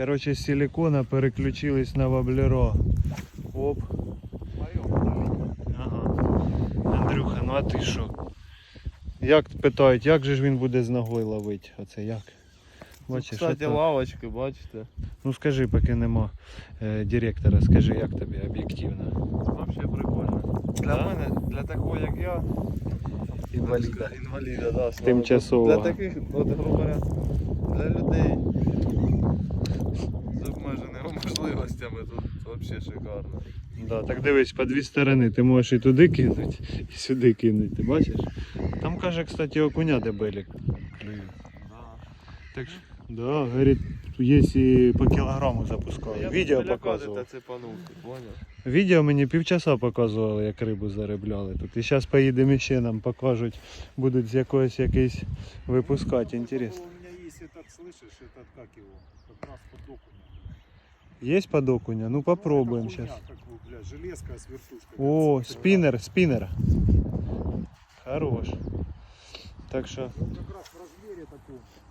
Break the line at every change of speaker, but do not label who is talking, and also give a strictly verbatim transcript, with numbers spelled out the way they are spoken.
Короче, з силикона переключились на воблеро. Оп. Ага. Андрюха, ну а ти що? Як питають, як же ж він буде з ногою ловити? Оце як? Бачиш,
Кстати,
ото...
лавочки, бачите?
Ну скажи, поки нема е, директора, скажи, як тобі об'єктивно?
Вообще прикольно. Для
Да?
мене, для такого як я,
Інваліда.
інваліда, да,
Тимчасово.
Для таких, от, грубо говоря, для людей з обмеженими можливостями тут взагалі шикарно.
Да, так дивись, по дві сторони, ти можеш і туди кинути, і сюди кинути, ти бачиш? Там каже, кстати, окуня дебелі клюють.
Да.
Так що, да, говорить, є і по кілограму запускали.
Я
Відео
біля
показував.
кади та цепанув, ти поняв?
Відео мені півчаса показували, як рибу заробляли тут. І зараз поїдемо ще нам покажуть, будуть з якогось якийсь випускати, інтересно.
У меня есть этот, слышишь, этот, как его, как раз под окуня.
Є под окуня? Ну попробуем
Ну, это
сейчас.
хуйня, как его, бля, железка с вертушкой.
О,
Как
спиннер, спиннер. Хорош. Так що,
как раз в размере таком.